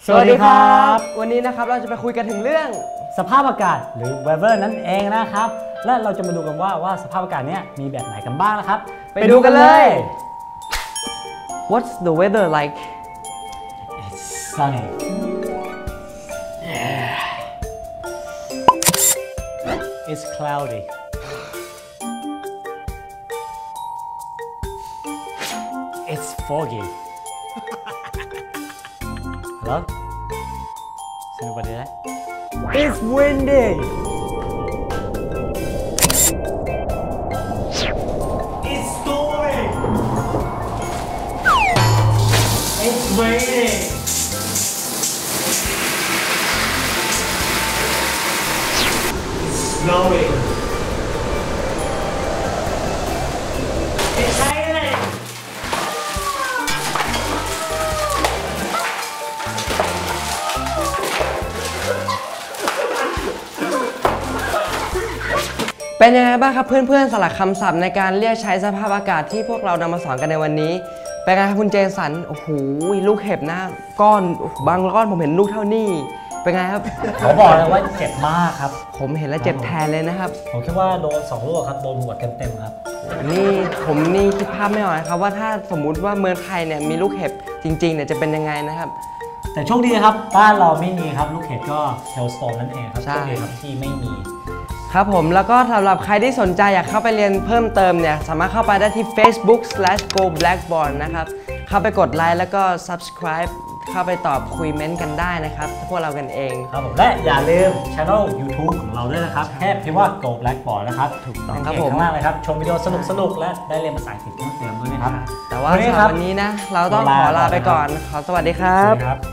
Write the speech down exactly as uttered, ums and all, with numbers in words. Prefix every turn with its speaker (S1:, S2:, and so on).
S1: สวัสดีครับวันนี้นะครับเราจะไปคุยกันถึงเรื่อง
S2: สภาพอากาศหรือ weather นั่นเองนะครับและเราจะมาดูกันว่าว่าสภาพอากาศเนี้ยมีแบบไหนกันบ้างนะครับ
S1: ไปดูกันเลย What's the weather like?
S2: It's sunny. Yeah. It's cloudy. It's foggy. Hello? Is anybody there? It's windy. It's stormy. It's raining. It's snowing. It's hailing.
S1: เป็นยังไงบ้างครับเพื่อนๆสลักคำศัพท์ในการเรียกใช้สภาพอากาศที่พวกเรานำมาสอนกันในวันนี้เป็นไงครับคุณเจสันโอ้โหลูกเห็บหน้าก้อนบางก้อนผมเห็นลูกเท่านี้เป็นไงครับ
S2: เขาบอกเลยว่าเจ็บมากครับ
S1: ผมเห็นแล้วเจ็บแทนเลยนะครับ
S2: ผมคิดว่าโดนสองลูกครับโดนหัวเต็มๆครับ
S1: นี่ผมนี่คิดภาพไม่ออกนะครับว่าถ้าสมมุติว่าเมืองไทยเนี่ยมีลูกเห็บจริงๆเนี่ยจะเป็นยังไงนะครับ
S2: แต่โชคดีครับบ้านเราไม่มีครับลูกเห็บก็เฮลสโตนนั่นเองครับโชคดีครับที่ไม่มี
S1: ครับผมแล้วก็สำหรับใครที่สนใจอยากเข้าไปเรียนเพิ่มเติมเนี่ยสามารถเข้าไปได้ที่ Facebook slash go blackboard นะครับเข้าไปกดไลค์แล้วก็ subscribe เข้าไปตอบคุยเม้นต์กันได้นะครับพวกเรากันเอง
S2: ครับผมและอย่าลืม channel YouTube ของเราด้วยนะครับแค่พิมพ์ว่า go blackboard นะครับ
S1: ถูกต้องครับผม
S2: ข้างล่างเลยครับชมวิดีโอสนุกๆและได้เรียนภาษาอังกฤษเพิ่มเติมด้วยนะครับ
S1: แต่ว่าสำหรับวันนี้นะเราต้องขอลาไปก่อนขอสวัสดีครับ